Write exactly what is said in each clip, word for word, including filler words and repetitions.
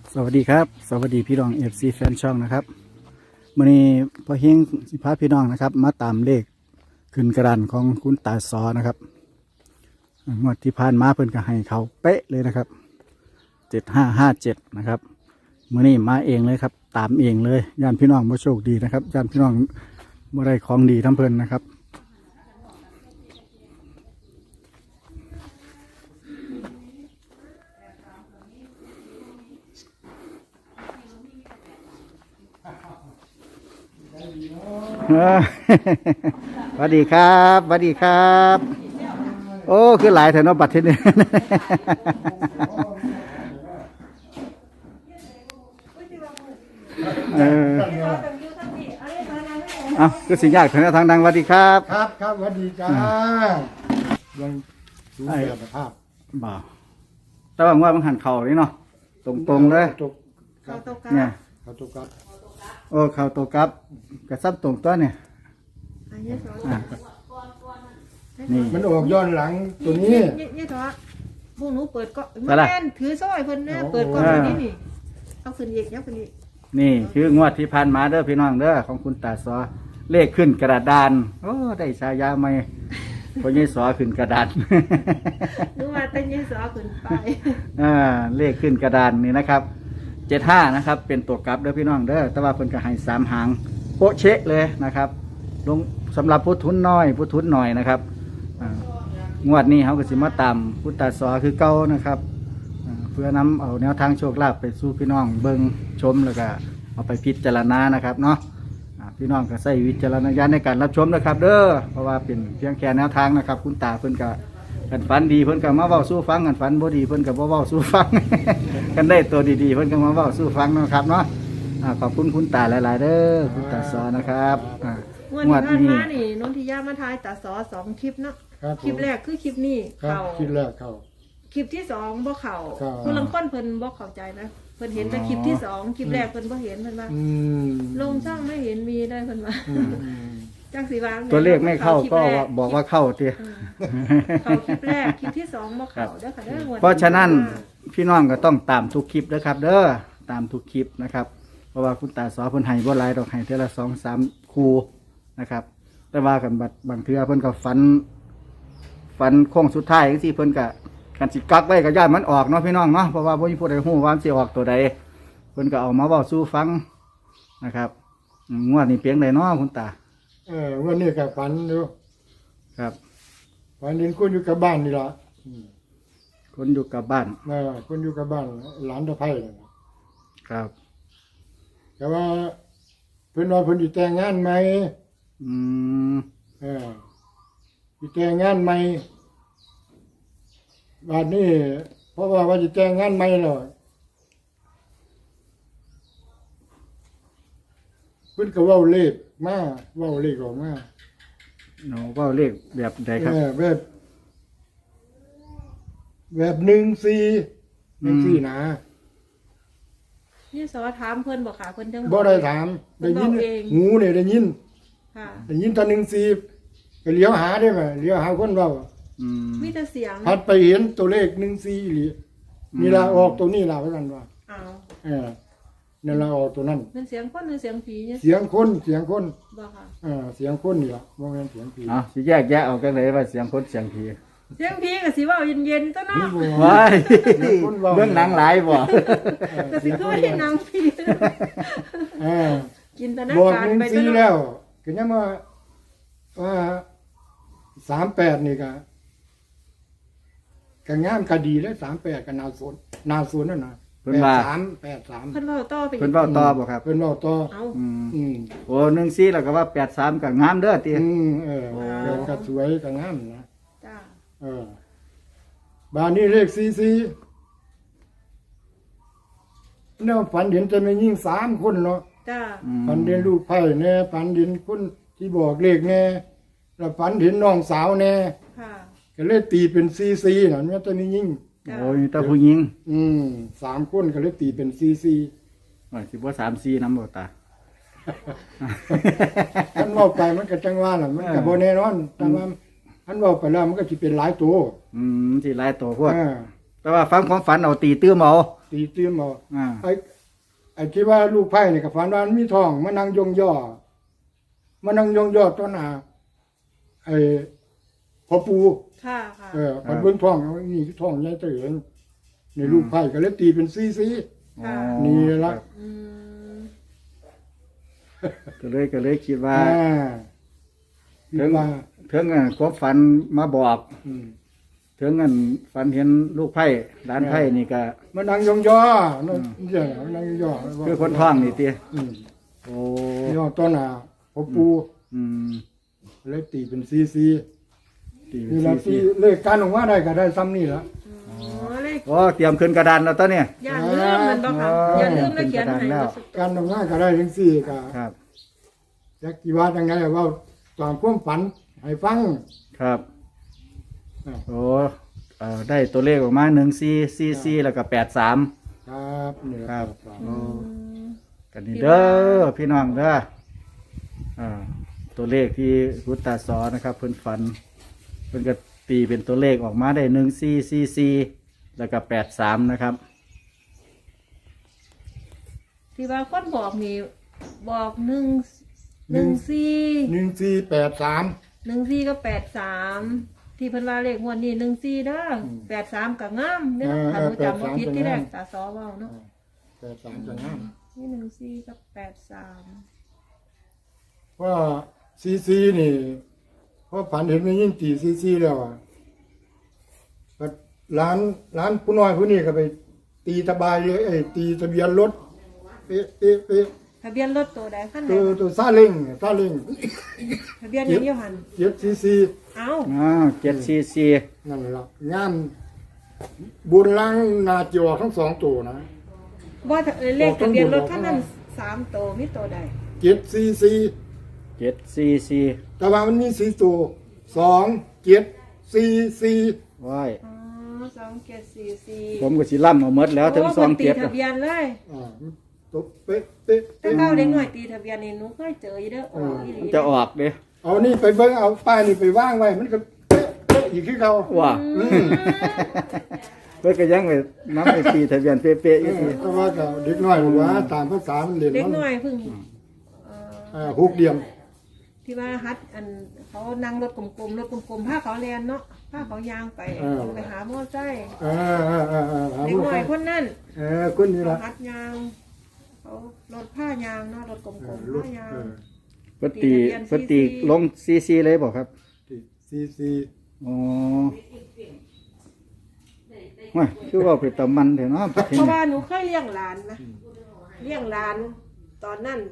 สวัสดีครับสวัสดีพี่น้องเอฟซีแฟนช่องนะครับวันนี้พอเฮงสิพาพี่น้องนะครับมาตามเลขขึ้นกระดานของคุณตาซอนะครับงวดที่ผ่านมาเพิ่นก็ให้เขาเป๊ะเลยนะครับเจ็ดห้าห้าเจ็ดนะครับมื่อนี้มาเองเลยครับตามเองเลยย่านพี่น้องมาโชคดีนะครับย่านพี่น้องมาได้ของดีทั้งเพิ่นนะครับสวัสดีครับสวัสดีครับโอ้คือหลายแถวโนบัตรที่นี่เอออ่ะคือสิ่งยากถึงทางดังสวัสดีครับครับครับสวัสดีจ้ายังสูงแบบภาพบ่าวแต่ว่าว่ามันหันเข่าเลยเนาะตรงๆเลยตกเนี่ยเขาตกกับโอ้เข่าตกกับกระซับตรงตัวเนี่ยนี่มันออกย้อนหลังตัวนี้นี่เถอะพวกหนูเปิดก็มาแม่นถือสร้อยเพิ่นนะเปิดก่อนนี้นี่เอาขึ้นอีกเอาขึ้นอีกนี่คืองวดที่ผ่านมาเด้อพี่น้องเด้อของคุณตาซอเลขขึ้นกระดานโอ้ได้ฉายาใหม่พอยี่สอขึ้นกระดานนึกว่าแต่ยี่สอขึ้นไปอ่าเลขขึ้นกระดานนี่นะครับเจ็ดห้านะครับเป็นตัวกลับเด้อพี่น้องเด้อแต่ว่าเพิ่นก็ให้สามหางโปะเชะเลยนะครับลงสำหรับผู้ทุนน้อยผู้ทุนหน่อยนะครับงวดนี้เขาก็สิมาตามพุทธศาสนาคือเก่านะครับเพื่อนำเอาแนวทางโชคลาภไปสู่พี่น้องเบิ่งชมแล้วก็เอาไปพิจารณานะครับเนาะพี่น้องก็ใช้วิจารณญาณในการรับชมนะครับเด้อเพราะว่าเป็นเพียงแค่แนวทางนะครับคุณตาเพิ่นก็กันฝันดีเพิ่นก็มาเว้าสู้ฟังกันฝันบ่ดีเพิ่นก็บ่เว้าสู้ฟัง กันได้ตัวดีๆเพิ่นก็มาเว้าสู้ฟังนะครับเนาะขอบคุณคุณตาหลายๆเด้อคุณตาสอนนะครับงวดที่ผ่านมานี่นนทิยามาทายตาสอสองคลิปเนาะคลิปแรกคือคลิปนี้เข่าคลิปแรกเข่าคลิปที่สองบ่เข่าคนลังค้นเพิ่นบ่เข้าใจนะเพิ่นเห็นแต่คลิปที่สองคลิปแรกเพิ่นบ่เห็นเพิ่นว่าลงช่องไม่เห็นมีได้เพิ่นว่าจังสีวางตัวเลขไม่เข้าก็บอกว่าเข้าเตี้ยเข้าคลิปแรกคลิปที่สองบ่เข้าเด้อค่ะเด้อเพราะฉะนั้นพี่น้องก็ต้องตามทุกคลิปนะครับเด้อตามทุกคลิปนะครับเพราะว่าคุณตาสอเพิ่นให้บ่หลายดอกให้เท่าละสองสามคู่นะครับแต่ว่ากันบัดบางเทื่อเพิ่นก็ฝันฝันโค้งสุดท้ายจังซี่เพิ่นก็กันสิกักไว้ก็ย่านมันออกเนาะพี่น้องเนาะเพราะว่าบ่มีผู้ใดฮู้ว่ามันสิออกตัวใดเพิ่นก็เอามาเว้าสู่ฟังนะครับงวดนี้เพียงใดเนาะคุณตาเออวันนี้ก็ฝันอยู่ครับฝันเห็นคนอยู่กับบ้านนี่ล่ะคนอยู่กับบ้านเออคนอยู่กับบ้านหลานตะไคร้ครับแต่ว่าเพิ่นว่าเพิ่นสิแต่งงานใหม่อืมเออสิแต่งงานใหม่บัดนี้เพราะว่าว่าสิแต่งงานใหม่แล้วเพิ่นก็เว้าเลขมาเว้าเลขออกมาเนาะเว้าเลขแบบใดครับเออแบบแบบหนึ่งสี่หนึ่งสี่นะนี่สอถามเพิ่นบอกค่ะเพิ่นจังบ่ได้ถามได้ยินหูเนี่ยได้ยินค่ะได้ยินตอนหนึ่งสี่ก็เลี้ยวหาได้ไหมเลี้ยวหาคนเรามีแต่เสียงพัดไปเห็นตัวเลขหนึ่งสี่หรือนี่ละออกตัวนี้ละเพราะนั้นว่าอ้าวเออนั่นละออกตัวนั้นเป็นเสียงคนหรือเสียงผีเนี่ยเสียงคนเสียงคนบ่ค่ะเออเสียงคนนี่ละบ่แม่นเสียงผีอ๋อสิแยกแยะออกกันเลยว่าเสียงคนเสียงผีเสียงผีก็สิเว้าเย็นๆตัวเนาะว้ายเรื่องหนังหลายบ่ก็สิคือหนังผีเออจินตนาการไปตัวแล้วก็ยังว่าว่าสามแปดนี่ก็ก็งามก็ดีแล้วสามแปดก็นาสนนาสนนั่นน่ะเพิ่นว่าสามแปดสามเพิ่นเว้าต่อไปเพิ่นเว้าต่อบ่ครับเพิ่นเว้าต่อเอ้าอืมโอ้หนึ่งสี่แล้วก็ว่าแปดสามก็งามเด้อติอืมเออก็สวยก็งามนะจ้าเออบ้านนี้เลขสี่สี่แนวฝันเห็นจะมียิ่งสามคนเนาะจ้าฝันเห็นลูกไผ่แน่ฝันเห็นคนที่บอกเลขแน่แล้วฝันเห็นน้องสาวแน่ค่ะก็เลยตีเป็นสี่สี่น่ะมันจะมียิ่งโอ้ยตาผู้หญิงอืมสามคนก็เลยตีเป็นสี่สี่โอ้ยสิบ่สามสี่นำบ่ตาท่านบอกไปมันก็จังว่าน่ะมันก็บ่แน่นอนแต่ว่าท่านบอกไปแล้วมันก็สิเป็นหลายตัวอืมสิหลายตัวพวกแต่ว่าฟังความฝันเอาตีตื้มเอาตีตื้มเอาอ่าไอ้ไอ้ที่ว่าลูกไผ่นี่ก็ฝันว่ามันมีทองมานั่งยองย่อมานั่งยองย่อต้นหาไอ้พ่อปูค่ะค่ะเออพันเบิ่งทองเอานี่คือทองใหญ่เตื่นในลูกไผ่ก็เลยตีเป็นซีซีค่ะนี่ละอืมก็เลยก็เลยคิดว่าอ่าถึงว่าถึงอ่ะความฝันมาบอกอืมถึงอันฝันเห็นลูกไผ่ร้านไผ่นี่ก็มานั่งยองย่อนั่นเจ้านั่งยองย่อคือคนท้องนี่ติอืมโอ้ย่อต้นหาพ่อปูอืมเลยตีเป็นซีซีตีเป็นี่นละสี่ที่สี่เลขการออกมาได้ก็ได้ซ้ำนี่ละอ๋อเลขโอ้เตรียมขึ้นกระดานแล้วตอนเนี่ยอย่าลืมมันบ่ค่ะอ๋ออย่าลืมแล้วเขียนให้เป็นกระดานแล้วว่าสุดการออกมาก็ได้ทั้งสี่ก็ครับจักกี่ว่าจังไงว่าตามความฝันให้ฟังครับอ่าโอ้เอ่อได้ตัวเลขออกมาหนึ่งสี่สี่สี่แล้วก็แปดสามครับนี่ครับครับโอ้กันนี่เด้อพี่น้องเด้ออ่าตัวเลขที่รุตตาสอนะครับ เพิ่นฝันเพิ่นก็ตีเป็นตัวเลขออกมาได้หนึ่งสี่สี่สี่แล้วก็แปดสามนะครับที่ว่าคนบอกนี่บอกหนึ่งหนึ่งสี่หนึ่งสี่แปดสามหนึ่งสี่ก็แปดสามที่เพิ่นว่าเลขงวดนี้หนึ่งสี่เด้อแปดสามก็งามเด้อถ้าบ่จำบ่ผิดที่แรกตาซอเว้าเนาะแปดสามจะงามนี่หนึ่งสี่กับแปดสามว่าซีซีนี่เพราะฝันเห็นมันยิ่งตีซีซีแล้วอ่ะก็ร้านร้านผู้น้อยผู้นี้ก็ไป ตีตะบายเลยไอ้ตีทะเบียนรถเป๊ะเป๊ะเป๊ะทะเบียนรถตัวใดคันไหนตัวตัวซาเล้งซาเล้งทะเบียนยังอยู่หันเจ็ดซีซีเอ้าอ้าวเจ็ดสี่สี่นั่นแหละงามบุญล้างนาจอทั้งสองตัวนะบ่ถ้าเอ่ยเลขทะเบียนรถคันนั้นสามตัวมีตัวใดเจ็ดซีซีเจ็ดสี่สี่แต่ว่ามันมีสี่ตัวสองเจ็ดซีซีว้ายอ๋อสองเจ็ดสี่สี่ผมก็สิล่ำเอาหมดแล้วถึงสองเจ็ดโพิ่นตีทะเบียนเลยอ่าตัวเป๊ะเป๊ะแต่เป๊ะเก้าเด็กหน่อยตีทะเบียนนี่หนูเคยเจออยู่เด้อออกอีหลีมันจะออกเด้เอานี่ไปเบิ้งเอาป้ายนี่ไปว่างไว้มันก็เป๊ะเป๊ะอีกที่เขาว่าอืมเพื่อก็ยังไปน้ำไปตีทะเบียนเป๊ะๆอีกทีก็ว่าก็เด็กน้อยบอกว่าตามภาษามันเรียนเด็กมันหน่อยเพิ่งเอ่ออ่าหกเดียมที่ว่าฮัดอันเขานั่งรถกลมๆรถกลมๆผ้าเขาแลนเนาะผ้าเขายางไปไปหาหม้อใจเอ่าอ่าอ่าอ่าหาเด็กลูกหน่อยคนนั้นเออคนนี้เขาละฮัดยางเขารถผ้ายางเนาะรถกลเออมๆลูกผ้ายางเออเพิ่นตีเพิ่นตีลงซีซีเลยบอกครับซีซีอ๋อว่าคือว่าเป็นตะมันเถอะเนาะเพราะว่าหนูเคยเลี้ยงหลานนะเลี้ยงหลานตอนนั้น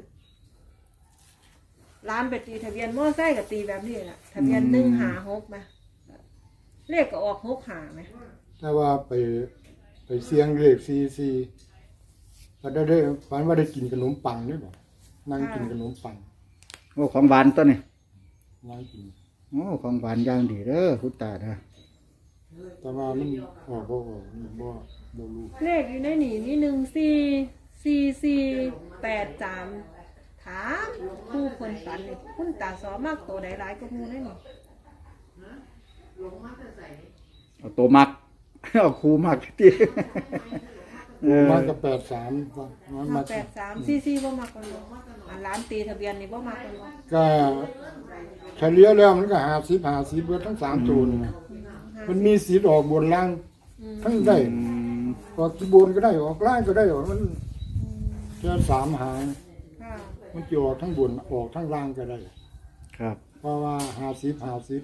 หลานไปตีทะเบียนมอไซค์กับตีแบบนี้แหละทะเบียนหนึ่งหาหกมาเลขก็ออกหกหาไหมถ้าว่าไปไปเสียงเลขซีซีก็ได้ได้ฝันว่าได้กินขนมปังด้วยบ่นั่งกินขนมปังโอ้ของหวานตัวนี้นั่งกินโอ้ของหวานอย่างดีเด้อคุณตาเด้อแต่ว่ามันออกบ่ออกนี่บ่บ่รู้เลขอยู่ในนี่มีหนึ่งสี่สี่สี่แปดสามถามผู้คนฝันนี่คุณตาสอมากตัวใดหลายก็มูได้นี่เอาตัวมัก เอาครูมักที่ เออมันก็แปดสามว่ามันมามาแปดสามสี่สี่บ่มากกว่านี้อันร้านตีทะเบียนนี่บ่มากกว่านี้ก็เฉลี่ยแล้วมันก็หาสิบหาสิบเบิดทั้งสามตัวนี่นะมันมีสิทธิ์ออกบนล่างทั้งได้อืมออกที่บนก็ได้ออกล่างก็ได้ออกมันแค่สามหางค่ะมันจะออกทั้งบนออกทั้งล่างก็ได้ครับเพราะว่าหาสิบหาสิบ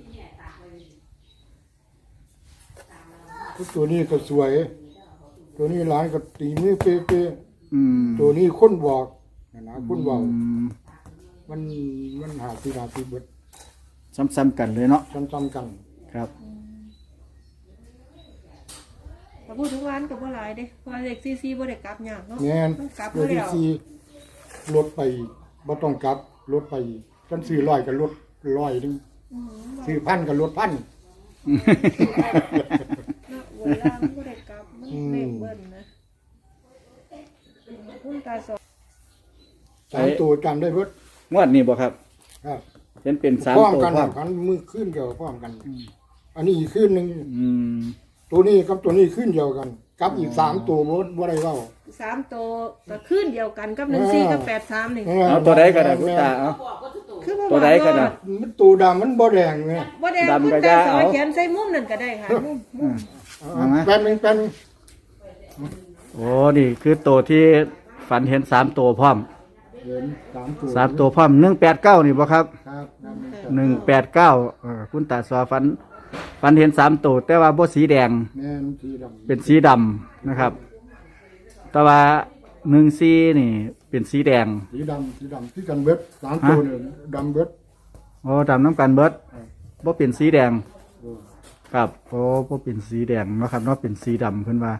ตัวนี้ก็สวย ตัวนี้หลานก็ตีมือเป๊ะอืมๆตัวนี้คนบอกนะนะคนบอกอืมมันมันหาสิบหาสิบเบิดซ้ำๆกันเลยเนาะจำๆกันครับแต่พูดถึงร้านกับบ่หลายเด้เพราะเลขสี่สี่บ่ได้กลับยากเนาะแงนมันกลับเดี๋ยวแล้ที่วสี่ลดไปบ่ต้องกลับลดไปกันซื้อร้อยก็ลดร้อยหนึงอืมซื้อพันก็ลดพันเนาะเวลามันบ่ได้กลับมันเลขเบิ้ลนะคุณตาสอสามตัวจำได้เบิดงวดนี้บ่ครับครับเห็นเป็นสามพร้อมตัวกันพร้อมกันมือขึ้นเดียวพร้อมกัน อันนี้อีกขึ้นหนึ่งอืมตัวนี้กับตัวนี้ขึ้นเดียวกันกับอีกสามตัวบ่บ่ได้เว้าสามตัวก็ขึ้นเดียวกันกับหนึ่งสี่กับแปดสามนี่เอาตัวใดก็ได้คุณตาเอาคือบ่ตัวใดก็ได้มันตัวดำมันบ่แดงไงบ่แดงดำคุณก็ตาได้สอเอาเขียนใส่มุมนั่นก็ได้ค่ะมุมมุมเอาไหมแป๊บนึงแป๊บนึงโอ้นี่คือตัวที่ฝันเห็นสามตัวพร้อมเห็นสามตัวสามตัวพร้อมหนึ่งแปดเก้านี่บ่ครับครับครับหนึ่งแปดเก้าคุณตาสอฝันฝันเห็นสามตัวแต่ว่าบ่สีแดงแม่นสีดำเป็นสีดำนะครับ แต่ว่าหนึ่งสีนี่เป็นสีแดงสีดำสีดำที่กันเบิดสามตัวเนี่ยดำเบิดโอ้ดำน้ำกันเบิดบ่เป็นสีแดงเออครับโอ้บ่เป็นสีแดงเนาะครับเนาะเป็นสีดำเพิ่นว่า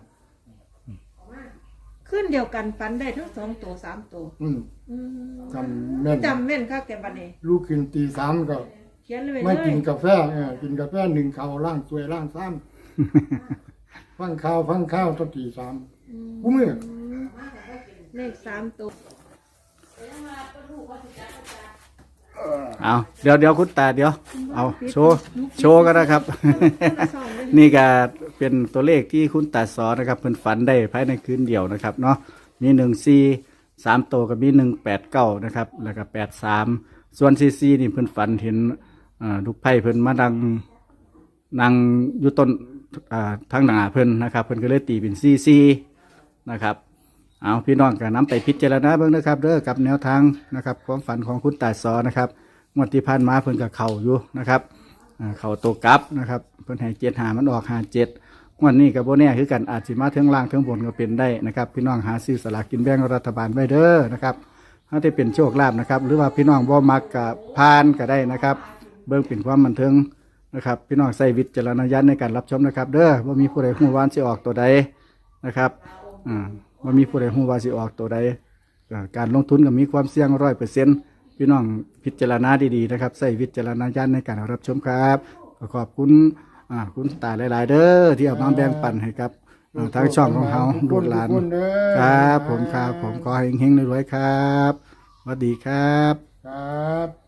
ขึ้นเดียวกันฟันได้ทั้งสองตัวสามตัวอืมอืมจำแม่นจำแม่นค่ะแกบัดนี้ลูกขึ้นตีสามก็เขียนเลยไม่เลกิยนกาแฟเออกินกาแฟหนึ่งข้าวล่างตัวยล่างซ้ำ ฟังข้าวฟังข้าวตอนตีสามกูมือเลขสามตัวเอาเดี๋ยวเดี๋ยวคุณตาเดี๋ยวเอาโชว์โชว์กันนะครับ นี่ก็เป็นตัวเลขที่คุณตาสอนนะครับเพิ่นฝันได้ภายในคืนเดียวนะครับเนาะมีหนึ่งสี่สามตัวกับมีหนึ่งแปดเก้านะครับแล้วก็แปดสามส่วนซีซีนี่เพิ่นฝันเห็นอ่าลูกไผ่เพิ่นมาดังนั่งอยู่ต้นอ่าทางหน้าเพิ่นนะครับเพิ่นก็เลยตีเป็นซีซีนะครับเอาพี่น้องก็นำไปพิจารณาเบิ่งนะครับเด้อกับแนวทางนะครับความฝันของคุณตาสอนนะครับงวดที่ผ่านมาเพิ่นก็เข้าอยู่นะครับอ่าเข้าตัวกลับนะครับเพิ่นให้เจ็ดหามันออกห้าเจ็ดงวดนี้ก็บ่แน่คือกันอาจสิมาเทิงล่างเทิงบนก็เป็นได้นะครับพี่น้องหาซื้อสลากกินแบ่งรัฐบาลไว้เด้อนะครับถ้าได้เป็นโชคลาภนะครับหรือว่าพี่น้องบ่มักกับพานก็ได้นะครับเบิ่งเป็นความบันเทิงนะครับพี่น้องใส่วิจารณญาณในการรับชมนะครับเด้อว่ามีผู้ใดฮู้ว่าสิออกตัวใดนะครับอ่าว่ามีผู้ใดฮู้ว่าสิออกตัวใดอ่าการลงทุนก็มีความเสี่ยง ร้อยเปอร์เซ็นต์ พี่น้องพิจารณาดีๆนะครับใส่วิจารณญาณในการรับชมครับขอขอบคุณอ่าคุณตาหลายๆเด้อที่เอามาแบ่งปันให้ครับอ่าทางช่องของเขาลูกหลานทุคนเด้อครับผมครับผมขอให้เฮงๆรวยๆครับสวัสดีครับครับ